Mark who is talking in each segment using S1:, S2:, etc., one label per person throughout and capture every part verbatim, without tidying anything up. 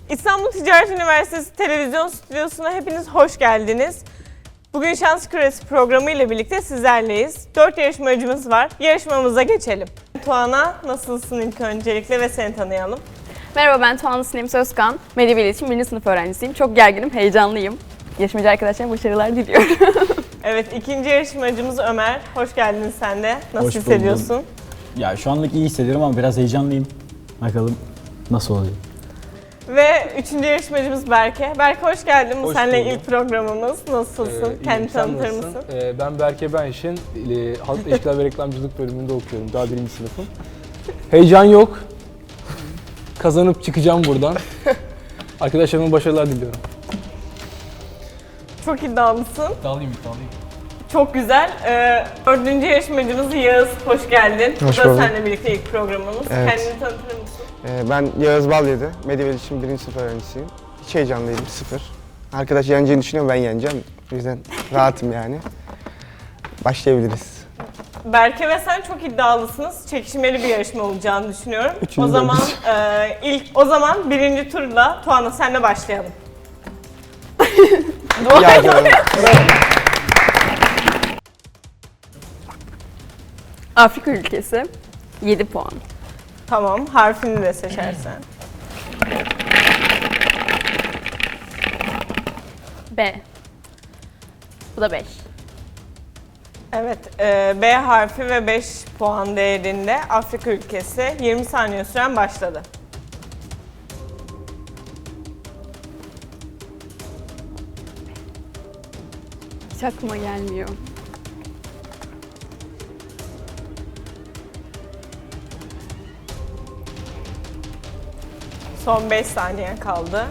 S1: İstanbul Ticaret Üniversitesi Televizyon Stüdyosu'na hepiniz hoş geldiniz. Bugün Şans Küresi programı ile birlikte sizlerleyiz. Dört yarışmacımız var. Yarışmamıza geçelim. Tuana, nasılsın ilk öncelikle ve seni tanıyalım.
S2: Merhaba, ben Tuana Sinem Sözkan. Medya ve İletişim birinci sınıf öğrencisiyim. Çok gerginim, heyecanlıyım. Yarışmacı arkadaşlarıma başarılar diliyorum.
S1: Evet, ikinci yarışmacımız Ömer. Hoş geldin sen de. Nasıl
S3: Hoş
S1: hissediyorsun?
S3: buldum. Ya şu anlık iyi hissediyorum ama biraz heyecanlıyım. Bakalım nasıl oluyor.
S1: Ve üçüncü yarışmacımız Berke. Berke hoş geldin. Bu
S4: Hoş
S1: seninle
S4: buldum.
S1: ilk programımız. Nasılsın?
S4: Ee,
S1: Kendini
S4: iyiyim, sen
S1: tanıtır
S4: nasılsın?
S1: mısın?
S4: Ee, ben Berke Benşin, e, Halk İlişkiler ve Reklamcılık bölümünde okuyorum. Daha birinci sınıfım. Heyecan yok. Kazanıp çıkacağım buradan. Arkadaşlarıma başarılar diliyorum.
S1: Çok iddialısın.
S4: İddialıyım, iddialıyım.
S1: Çok güzel. Ee, dördüncü yarışmacımız Yağız. Hoş geldin.
S5: Hoş
S1: Bu da
S5: bulduk.
S1: seninle birlikte ilk programımız.
S5: Evet.
S1: Kendini tanıtır mısın?
S5: Ee, ben Yağız Balyedi, Medya ve İletişim birinci sınıf öğrencisiyim. Hiç heyecanlıyım, sıfır. Arkadaş yeneceğini düşünüyorum, ben yeneceğim. O yüzden rahatım yani. Başlayabiliriz.
S1: Berke ve sen çok iddialısınız. Çekişmeli bir yarışma olacağını düşünüyorum.
S5: Üçüncü
S1: o zaman e, ilk o zaman birinci turla Tuana senle başlayalım.
S5: Ya canım.
S2: Afrika ülkesi, yedi puan.
S1: Tamam, harfini de seçersen.
S2: B. Bu da beş.
S1: Evet, e, B harfi ve beş puan değerinde Afrika ülkesi. yirmi saniye süren başladı.
S2: Hiç aklıma gelmiyor.
S1: Son beş saniye kaldı.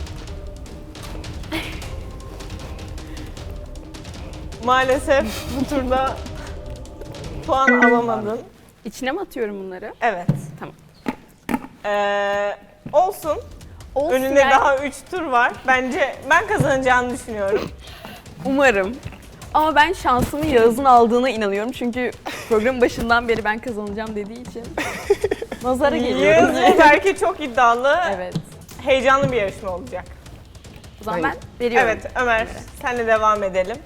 S1: Maalesef bu turda puan alamadın.
S2: İçine mi atıyorum bunları?
S1: Evet.
S2: Tamam.
S1: Ee, olsun.
S2: Olsun
S1: Önünde
S2: yani.
S1: daha üç tur var. Bence ben kazanacağını düşünüyorum.
S2: Umarım. Ama ben şansımı Yağız'ın aldığına inanıyorum. Çünkü programın başından beri ben kazanacağım dediği için. Nazara geliyorum.
S1: Yağız ve Berke çok iddialı.
S2: Evet.
S1: Heyecanlı bir yarışma olacak.
S2: O zaman
S5: Hayır.
S2: ben veriyorum.
S1: Evet Ömer, senle devam edelim.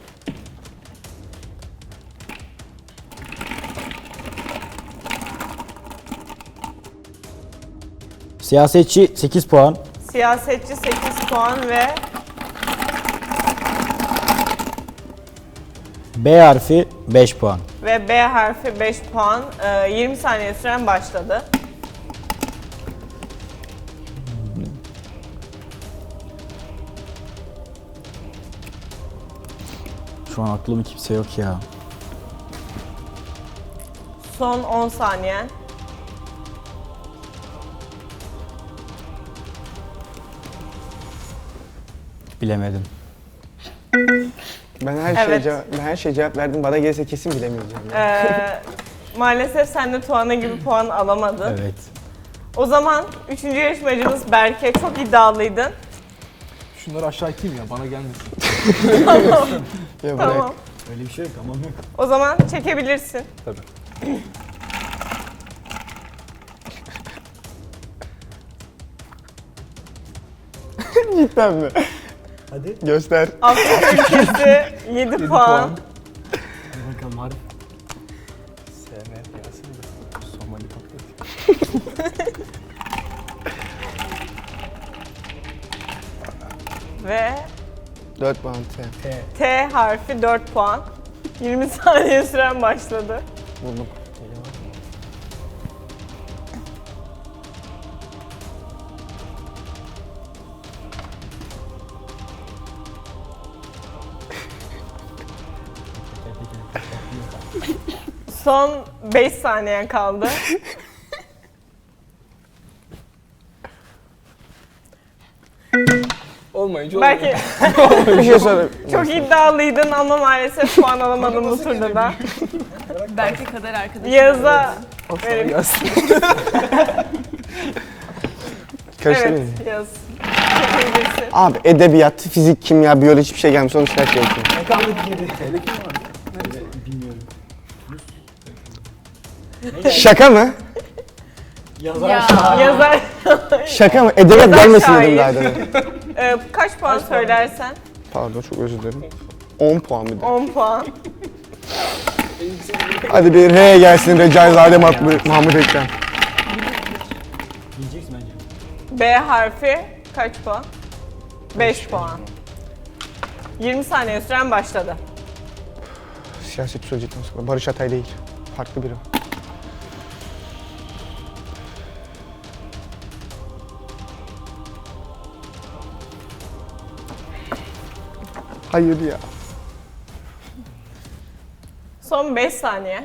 S3: Siyasetçi sekiz puan.
S1: Siyasetçi sekiz puan ve
S3: B harfi beş puan.
S1: ve B harfi beş puan. Ee, yirmi saniye süren başladı.
S3: Şu an aklımda kimse yok ya.
S1: Son on saniye.
S3: Bilemedim.
S5: Ben her şeye
S1: Evet.
S5: cevap, ben her şeye cevap verdim. Bana gelirse kesin bilemeyeceğim. Yani.
S1: Ee, maalesef sen de Tuana gibi puan alamadın.
S3: Evet.
S1: O zaman üçüncü yarışmacımız Berke. Çok iddialıydın.
S4: Şunları aşağı iteyim ya, bana gelmesin.
S5: Ya bırak.
S1: Tamam.
S3: Öyle bir şey yok, tamam yok.
S1: O zaman çekebilirsin.
S4: Tabii.
S5: Cidden mi?
S3: Hadi.
S5: Göster.
S1: Afrika ülkesi yedi puan.
S3: Hadi bakalım harf.
S4: S M gelsin de. Somali patlatayım.
S1: Ve
S5: dört puan T.
S1: T harfi dört puan. yirmi saniye süren başladı.
S5: Buldum.
S1: Son beş saniyen kaldı.
S4: Olmayınca olmuyor.
S1: Belki
S5: Bir şey sorayım.
S1: çok iddialıydın ama maalesef puan alamadın bu turda da.
S2: Belki kader arkadaşım.
S1: Yağız'a
S4: Of,
S1: verin.
S4: gelsin.
S5: Karıştırayım mı?
S1: Evet Yağız. Çekebilirsin.
S5: Abi edebiyat, fizik, kimya, biyoloji hiçbir şey gelmiş. Sonuçta her şey okuyorum.
S3: Bilmiyorum.
S5: Şaka mı?
S3: Yazar
S2: Ya.
S3: şair.
S1: Yazar.
S5: Şaka mı? Edebiyat
S1: Yazar
S5: gelmesin
S1: şair.
S5: dedim daha demin.
S1: Ee, kaç puan söylersen?
S5: Pardon çok özür dilerim. on puan bir de.
S1: on puan.
S5: Hadi bir R gelsin Recaizade Mahmut, Mahmut Ekrem.
S3: Bileceksin bence.
S1: B harfi kaç puan? beş puan. yirmi saniye süren başladı.
S5: Siyaset söyleyecektim sonra. Barış Atay değil. Farklı biri. Hayır ya.
S1: Son beş saniye.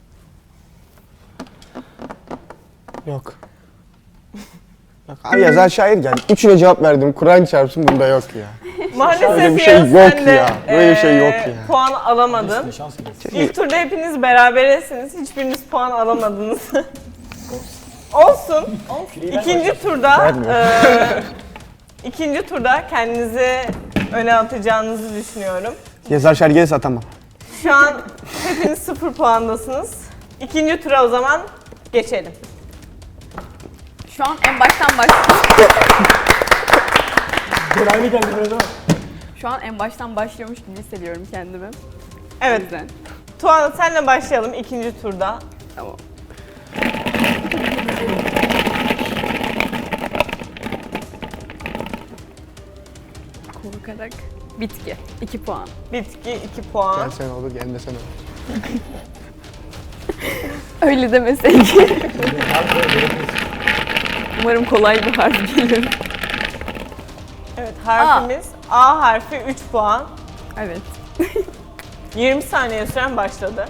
S5: Yok. Yok. Abi yazar şair geldi. Üçüne cevap verdim. Kur'an çarpsın bunda yok ya.
S1: Maalesef
S5: Böyle bir şey
S1: Yağız,
S5: yok
S1: sen de,
S5: ya. Böyle bir şey
S1: eee,
S5: yok ya.
S1: Puan alamadın.
S3: Size şans gelsin.
S1: İlk turda hepiniz berabersiniz. Hiçbiriniz puan alamadınız. Olsun. İkinci turda
S5: Vermiyor.
S1: eee, ikinci turda kendinizi öne atacağınızı düşünüyorum.
S5: Yazar şair gelirse atamam.
S1: Şu an hepiniz sıfır puandasınız. İkinci tura o zaman geçelim.
S2: Şu an en baştan baş...
S3: Görevli geldi biraz ama.
S2: Şu an en baştan başlıyormuş gibi hissediyorum kendimi. O
S1: Evet,
S2: yüzden.
S1: Tuana senle başlayalım ikinci turda.
S2: Tamam. Korkarak bitki. iki puan.
S1: Bitki iki puan.
S5: Gelsen olur, gelmesen olur.
S2: Öyle demeseydin. Umarım kolay bir harf gelir.
S1: Evet, harfimiz A harfi üç puan.
S2: Evet.
S1: yirmi saniye süren başladı.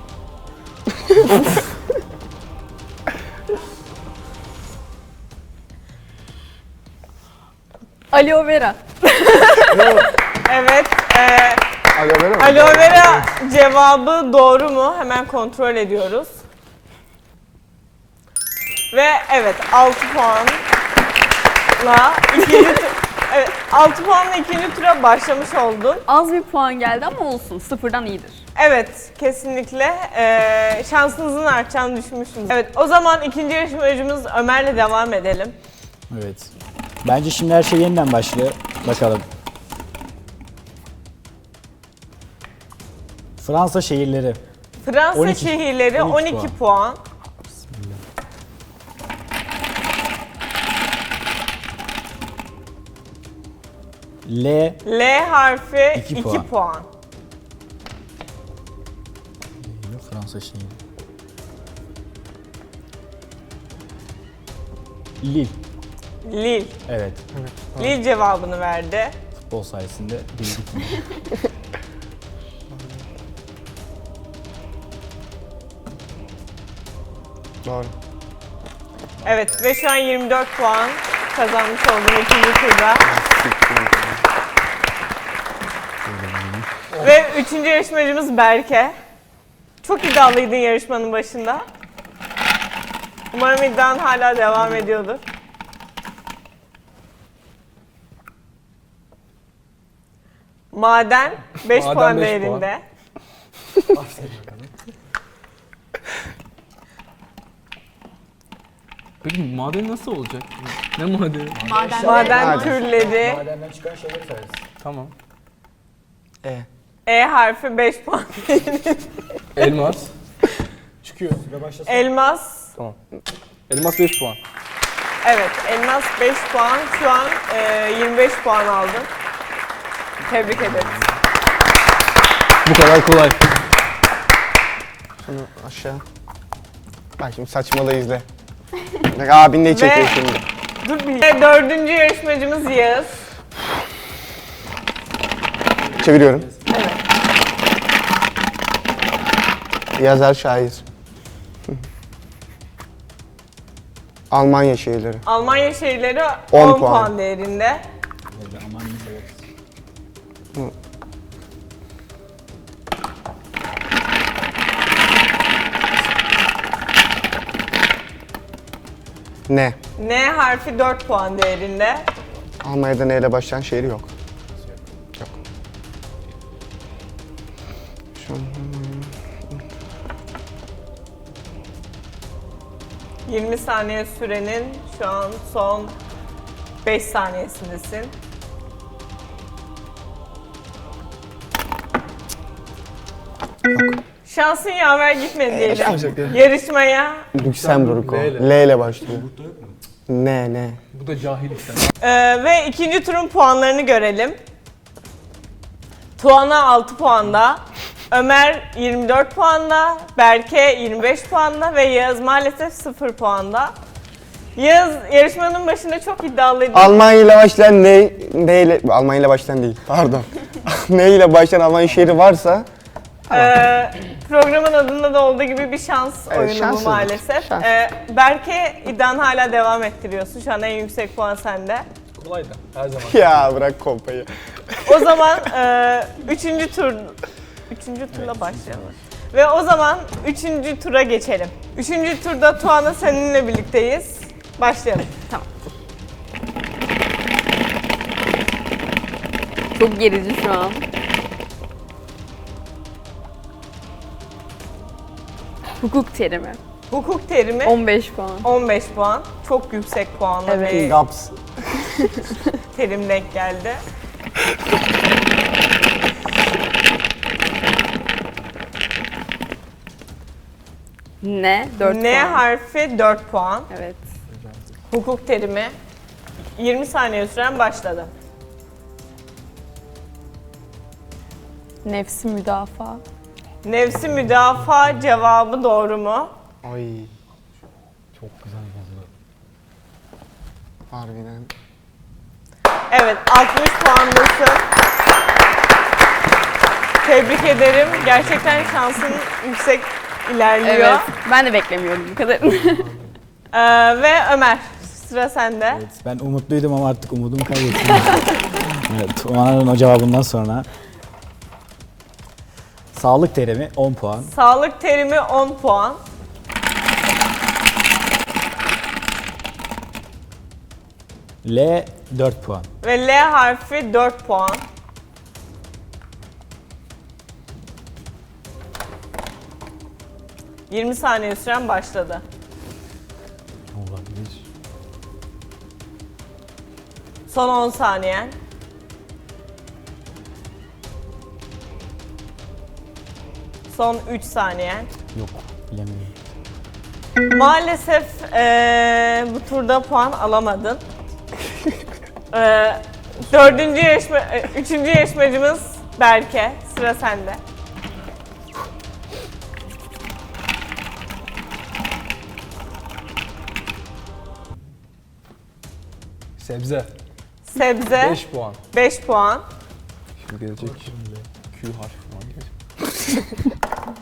S2: Aloe vera.
S1: Evet, eee
S5: Alo ver mi?
S1: aloe vera cevabı doğru mu? Hemen kontrol ediyoruz. Ve evet, altı puanla ikinci tur... Evet, altı puanla ikinci tura başlamış oldun.
S2: Az bir puan geldi ama olsun. Sıfırdan iyidir.
S1: Evet, kesinlikle eee, şansınızın artacağını düşünmüştüm. Evet, o zaman ikinci yarışmacımız Ömer'le devam edelim.
S3: Evet. Bence şimdi her şey yeniden başlıyor. Bakalım. Fransa şehirleri.
S1: Fransa
S3: on iki
S1: şehirleri
S3: on
S1: on
S3: iki
S1: iki puan.
S3: L.
S1: L harfi
S3: İki
S1: iki
S3: puan.
S1: puan.
S3: Fransa şehri. Lille.
S1: Lille.
S3: Evet.
S1: Lille cevabını verdi.
S3: Futbol sayesinde bildik.
S5: Doğru.
S1: Evet ve şu an yirmi dört puan kazanmış oldum ikinci turda. Ve üçüncü yarışmacımız Berke. Çok iddialıydın yarışmanın başında. Umarım iddian hala devam ediyordur. Maden beş
S4: Maden
S1: puan
S4: beş
S1: değerinde.
S4: Peki maden nasıl olacak? Ne madeni?
S2: Maden.
S1: Maden
S5: Maden.
S1: türleri.
S3: Madenden çıkan şeyleri sayarız.
S4: Tamam.
S5: E.
S1: E harfi beş puan.
S4: Elmas.
S3: Çıkıyor. Süre başlasın.
S1: Elmas.
S4: Tamam. Elmas beş puan.
S1: Evet, elmas beş puan. Şu an e, yirmi beş puan aldın. Tebrik ederim.
S4: Bu kadar kolay.
S5: Şunu aşağı. Bak şimdi saçmalığı izle. Bak abin ne çekiyor
S1: Ve-
S5: şimdi.
S1: Dur bir. Ve dördüncü yarışmacımız Yağız.
S5: Çeviriyorum. Yazar şair. Almanya şehirleri.
S1: Almanya şehirleri
S5: on
S1: on,
S5: puan.
S1: puan değerinde.
S3: Aman iyi severiz.
S5: Ne?
S1: N harfi dört puan değerinde.
S5: Almanya'da ne ile başlayan şehir yok. Yok. Şu an...
S1: yirmi saniye sürenin şu an son beş saniyesindesin. Şansın yaver gitmedi diyelim.
S5: şans yok.
S1: Yarışmaya
S5: Lüksemburg o.
S4: L ile.
S5: L ile başlıyor. Ne ne?
S4: Bu da cahillik sen.
S1: Ee, ve ikinci turun puanlarını görelim. Tuana altı puanda, Ömer yirmi dört puanda, Berke yirmi beş puanda ve Yağız maalesef sıfır puanda. Yağız yarışmanın başında çok iddialıydı.
S5: Almanya ile başlayan ne, ne ile, Almanya ile başlayan değil, pardon. Ne ile başlayan Almanya şehri varsa
S1: Ee, programın adında da olduğu gibi bir şans
S5: Evet,
S1: oyunu bu
S5: şanssızlık.
S1: maalesef.
S5: Şans.
S1: Ee, Berke iddianı hala devam ettiriyorsun. Şu an en yüksek puan sende.
S4: Kolaydı her zaman.
S5: ya bırak kompayı.
S1: O zaman e, üçüncü tur, üçüncü turla başlayalım. Ve o zaman üçüncü tura geçelim. Üçüncü turda Tuana seninle birlikteyiz. Başlayalım.
S2: Tamam. Çok gerici şu an. Hukuk terimi.
S1: Hukuk terimi
S2: on beş puan.
S1: on beş puan. Çok yüksek puanla
S2: Evet.
S1: bir
S5: Gaps.
S1: terim denk geldi.
S2: Ne? dört
S1: N
S2: puan.
S1: harfi dört puan.
S2: Evet.
S1: Hukuk terimi yirmi saniye süren başladı.
S2: Nefsi müdafaa.
S1: Nefsi müdafaa cevabı doğru mu?
S5: Ay
S3: Çok güzel yazıyor.
S5: harbiden.
S1: Evet, altmış puandasın. Tebrik ederim. Gerçekten şansın yüksek ilerliyor.
S2: Evet. Ben de beklemiyordum bu kadar.
S1: Ee, ve Ömer, sıra sende.
S3: Evet, ben umutluydum ama artık umudumu kaybettim. Evet, Tuana'nın o cevabından sonra. Sağlık terimi on puan.
S1: Sağlık terimi on puan.
S3: L dört puan.
S1: Ve L harfi dört puan. yirmi saniye süren başladı.
S3: Olabilir.
S1: Son on saniyen. Son üç saniyen.
S3: Yok, bilemiyorum.
S1: Maalesef eee, bu turda puan alamadın. Eee, dördüncü yarışma, e, üçüncü yarışmacımız Berke. Sıra sende.
S4: Sebze.
S1: Sebze
S4: beş puan.
S1: beş puan.
S4: Şimdi gelecek Q harfi falan gelecek.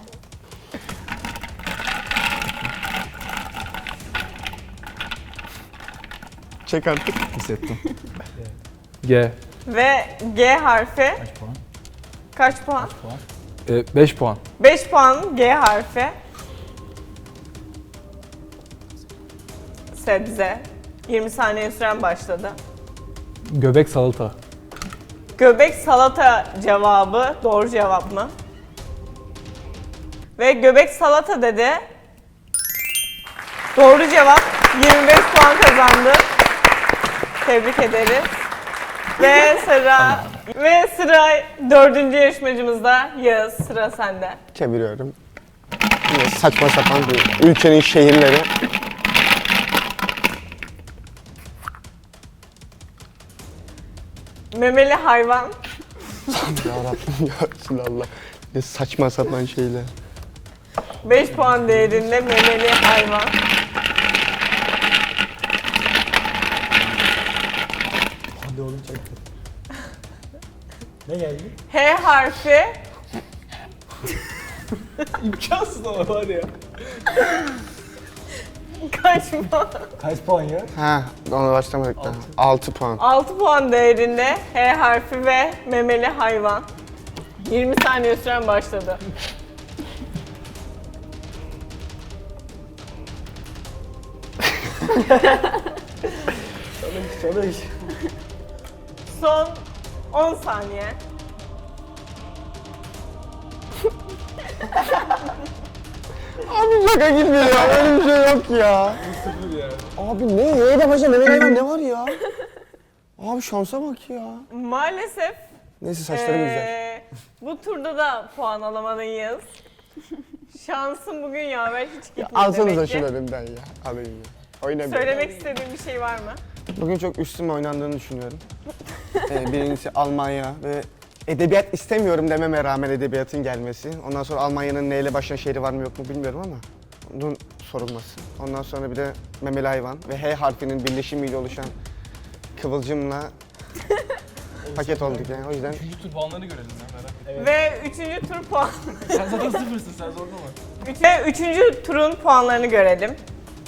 S5: Çek artık.
S4: Hissettim. G.
S1: Ve G harfi
S3: Kaç puan?
S1: kaç puan?
S3: Puan.
S4: E, beş puan.
S1: beş puan G harfi. Sebze. yirmi saniye süren başladı.
S4: Göbek salata.
S1: Göbek salata cevabı doğru cevap mı? Ve göbek salata dedi. Doğru cevap. yirmi beş puan kazandı. Tebrik ederiz. Ve sıra ve sıra dördüncü yarışmacımızda Yağız. Sıra sende.
S5: Çeviriyorum. Yine saçma sapan bir ülkenin şehirleri.
S1: Memeli hayvan.
S5: Yarabbim ya Resulallah. Ne saçma sapan şeyler.
S1: beş puan değerinde memeli hayvan.
S3: Hadi oğlum çekti. Ne geldi?
S1: H harfi.
S4: İmkansız ama var ya.
S1: Kaç puan?
S3: Kaç puan ya?
S5: Ha, ona başlamadık daha. altı puan.
S1: altı puan değerinde H harfi ve memeli hayvan. yirmi saniye süren başladı.
S3: Çalış çalış.
S1: Son on saniye.
S5: Abi şaka gibi ya. Öyle bir şey yok ya.
S4: Sıfır ya.
S5: Abi ne? Y'de başta Mehmet Hayvan ne var ya? Abi şansa bak ya.
S1: Maalesef
S5: Neyse saçlarım güzel.
S1: ee, bu turda da puan alamadıyız. Şansın bugün yaver hiç gitmedi
S5: Alsanıza
S1: demek ki.
S5: şunu önümden ya. Alayım ya. Oynayayım.
S1: Söylemek istediğin bir şey var mı?
S5: Bugün çok üstüme oynandığını düşünüyorum. ee, birincisi Almanya ve edebiyat istemiyorum dememe rağmen edebiyatın gelmesi. Ondan sonra Almanya'nın neyle başlayan şehri var mı yok mu bilmiyorum ama bunun sorulması. Ondan sonra bir de memeli hayvan ve H harfinin birleşimiyle oluşan kıvılcımla paket olduk yani o yüzden.
S4: Üçüncü tur puanlarını görelim ya merak ettim.
S1: Ve üçüncü tur puan.
S4: Sen zaten sıfırsın, sen zorlama.
S1: Üç- Ve üçüncü turun puanlarını görelim.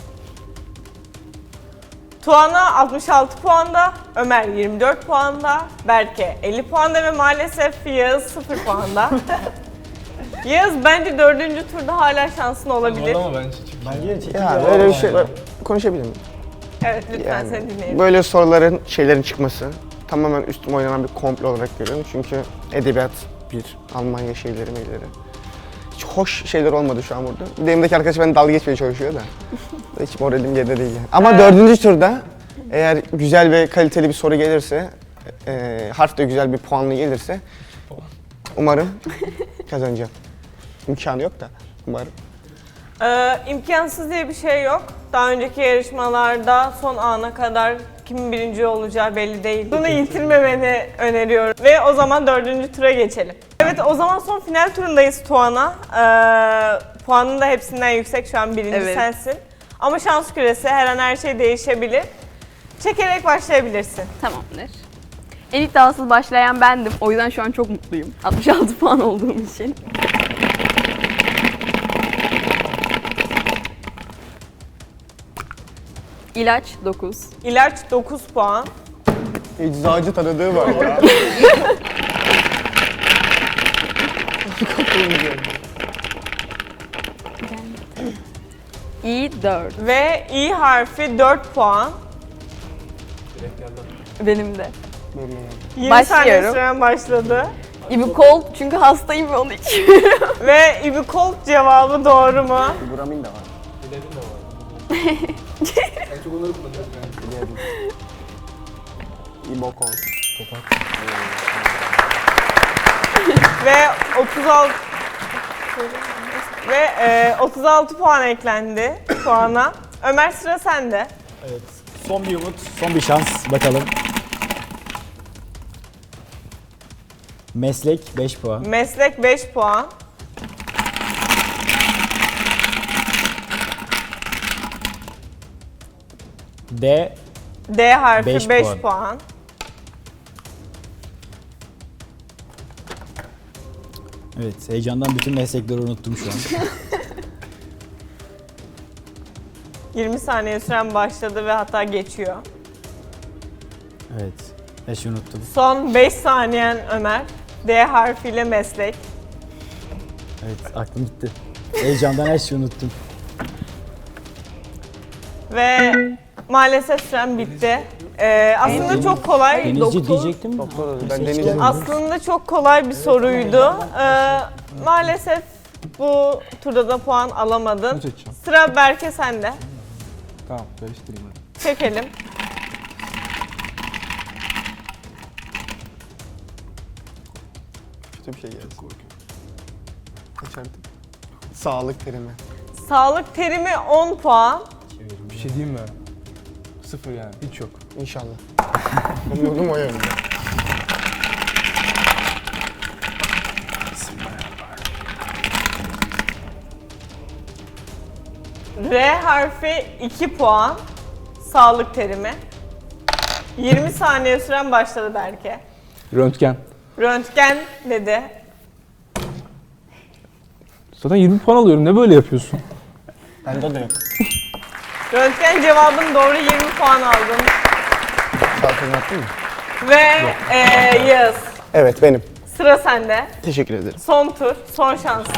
S1: Tuana altmış altı puanda, Ömer yirmi dört puanda, Berke elli puanda ve maalesef Yağız sıfır puanda. Yağız bence dördüncü turda hala şansın olabilir.
S4: Zorlama bence çünkü.
S3: Bence çekici
S5: Ya
S3: ya.
S5: böyle bir şey konuşabilir miyim?
S1: Evet lütfen
S5: Yani
S1: seni dinleyelim.
S5: böyle soruların şeylerin çıkması tamamen üstüme oynanan bir komplo olarak görüyorum. Çünkü edebiyat bir, Almanya şeyleri meyleri. Hiç hoş şeyler olmadı şu an burada. Bir de elimdeki arkadaş beni dalga geçmeye çalışıyor da. Hiç moralim yerinde değil yani. Ama dördüncü turda eğer güzel ve kaliteli bir soru gelirse, e, harf de güzel bir puanlı gelirse umarım kazanacağım. İmkanı yok da umarım.
S1: Ee, imkansız diye bir şey yok. Daha önceki yarışmalarda son ana kadar kimin birinci olacağı belli değil. Bunu yitirmemeni öneriyorum. Ve o zaman dördüncü tura geçelim. Evet o zaman son final turundayız Tuana. Ee, puanın da hepsinden yüksek şu an birinci
S2: Evet.
S1: sensin. Ama şans küresi her an her şey değişebilir. Çekerek başlayabilirsin.
S2: Tamamdır. En iddiasız başlayan bendim. O yüzden şu an çok mutluyum. altmış altı puan olduğum için. İlaç dokuz.
S1: İlaç dokuz puan.
S5: Eczacı tanıdığı var ya.
S2: İ dört.
S1: Ve İ harfi dört puan.
S4: Direkt geldi.
S2: Benim de.
S1: yirmi saniye
S2: Başlıyorum.
S1: süren başladı.
S2: İbukol çünkü hastayım ve onu içiyorum.
S1: Ve Ibikolt cevabı doğru mu?
S5: Buramin de var.
S4: Bilelim de var. En çok onları kullanıyorum yani.
S5: İbokon.
S1: Ve otuz altı ve e, otuz altı puan eklendi puana. Ömer sıra sende.
S3: Evet. Son bir umut, son bir şans. Bakalım. Meslek beş puan.
S1: Meslek beş puan.
S3: D
S1: D harfi
S3: Beş
S1: beş
S3: puan.
S1: puan.
S3: Evet, heyecandan bütün meslekleri unuttum şu an.
S1: yirmi saniye süren başladı ve hatta geçiyor.
S3: Evet, beş unuttum.
S1: Son beş saniyen Ömer. D harfiyle meslek.
S3: Evet, aklım gitti. Heyecandan her şeyi unuttum.
S1: Ve maalesef süren bitti. Ee, aslında
S3: Deniz-
S1: çok kolay.
S3: Denizci
S2: doktor-
S3: diyecektim mi?
S5: Doktor ben
S3: Seçtim.
S5: deneyeceğim.
S1: Aslında çok kolay bir soruydu. Ee, maalesef bu turda da puan alamadın.
S4: Bunu seçeceğim.
S1: Sıra Berke sende.
S4: Tamam, karıştırayım hadi.
S1: Çekelim.
S5: Kötü bir şey gelsin. Kaç artık? Sağlık terimi.
S1: Sağlık terimi on puan.
S4: Bir şey diyeyim mi? Sıfır yani, hiç yok.
S5: İnşallah. Umudum o yönde.
S1: R harfi iki puan. Sağlık terimi. yirmi saniye süren başladı Berke.
S4: Röntgen.
S1: Röntgen dedi.
S4: Zaten yirmi puan alıyorum, ne böyle yapıyorsun?
S5: Bende de yok.
S1: Röntgen cevabın doğru yirmi puan aldın.
S5: Şarkını yaptın mı?
S1: Ve eee Yağız.
S5: Evet benim.
S1: Sıra sende.
S5: Teşekkür ederim.
S1: Son tur, son şansın.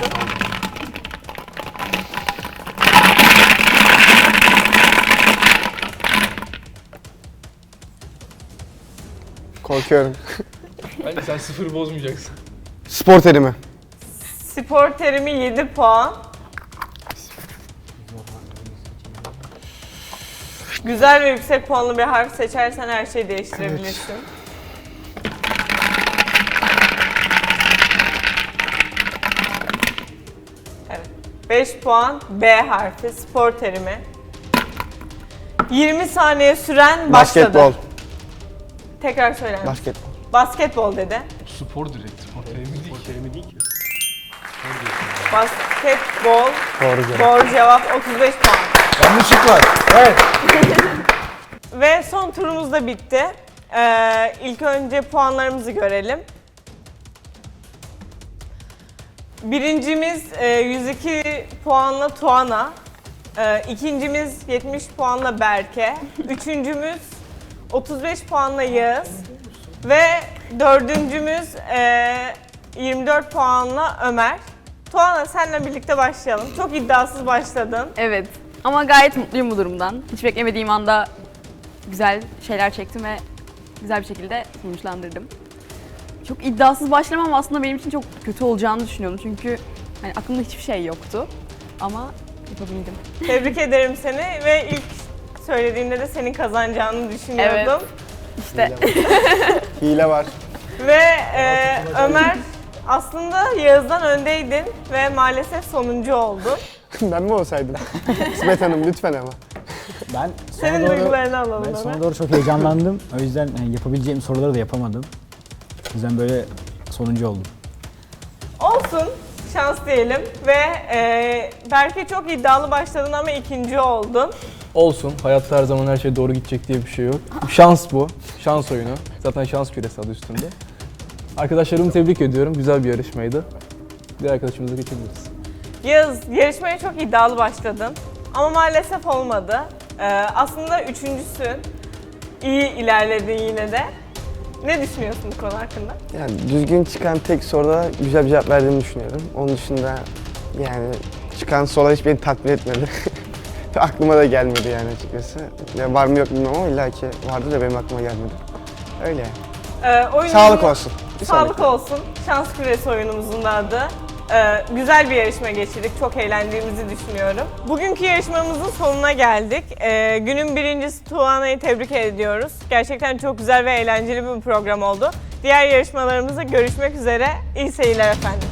S5: Korkuyorum.
S4: Bence sen sıfırı bozmayacaksın.
S5: Spor terimi.
S1: Spor terimi yedi puan. Güzel ve yüksek puanlı bir harf seçersen her şeyi değiştirebilirsin. Evet. beş puan B harfi, spor terimi. yirmi saniye süren başladı.
S5: Basketbol.
S1: Tekrar söyler misin?
S5: Basketbol.
S1: Basketbol dedi.
S6: Spor direkt. Spor terimi değil ki.
S1: Basketbol.
S5: Doğru cevap.
S1: Doğru cevap, otuz beş puan.
S6: Yanlışlık var. Evet.
S1: Ve son turumuz da bitti. Ee, ilk önce puanlarımızı görelim. Birincimiz e, yüz iki puanla Tuana. E, ikincimiz yetmiş puanla Berke. Üçüncümüz otuz beş puanla Yağız. Ve dördüncümüz e, yirmi dört puanla Ömer. Tuana, seninle birlikte başlayalım. Çok iddiasız başladın.
S2: Evet. Ama gayet mutluyum bu durumdan. Hiç beklemediğim anda güzel şeyler çektim ve güzel bir şekilde sonuçlandırdım. Çok iddiasız başlamam aslında benim için çok kötü olacağını düşünüyordum. Çünkü hani aklımda hiçbir şey yoktu. Ama yapabildim.
S1: Tebrik ederim seni ve ilk söylediğimde de senin kazanacağını düşünüyordum.
S2: İşte
S5: Hile var.
S1: Ve e, Ömer, aslında Yağız'dan öndeydin ve maalesef sonuncu oldun.
S5: Ben mi olsaydım? İsmet Hanım lütfen ama.
S3: Ben
S1: Senin
S3: sona doğru,
S1: duygularını alalım
S3: ben
S1: Ömer.
S3: sona doğru çok heyecanlandım. O yüzden yani yapabileceğim soruları da yapamadım. O yüzden böyle sonuncu oldum.
S1: Olsun, şans diyelim ve e, Berke çok iddialı başladın ama ikinci oldun.
S4: Olsun. Hayatta her zaman her şey doğru gidecek diye bir şey yok. Şans bu. Şans oyunu. Zaten şans küresi adı üstünde. Arkadaşlarımı tebrik ediyorum. Güzel bir yarışmaydı. Diğer arkadaşımıza geçebiliriz.
S1: Yağız, yarışmaya çok iddialı başladın ama maalesef olmadı. E, aslında üçüncüsün. İyi ilerledin yine de. Ne düşünüyorsun bu konu hakkında?
S5: Yani düzgün çıkan tek soruda güzel bir cevap verdiğimi düşünüyorum. Onun dışında yani çıkan sorular hiç beni tatmin etmedi. Aklıma da gelmedi yani açıkçası. Ya var mı yok bilmiyorum ama illa ki vardı da benim aklıma gelmedi. Öyle yani.
S1: E, oyunun-
S5: Sağlık olsun. Bir
S1: Sağlık
S5: sonraki.
S1: olsun. Şans küresi oyunumuzun da adı. Ee, güzel bir yarışma geçirdik. Çok eğlendiğimizi düşünüyorum. Bugünkü yarışmamızın sonuna geldik. Ee, günün birincisi Tuana'yı tebrik ediyoruz. Gerçekten çok güzel ve eğlenceli bir program oldu. Diğer yarışmalarımızda görüşmek üzere. İyi seyirler efendim.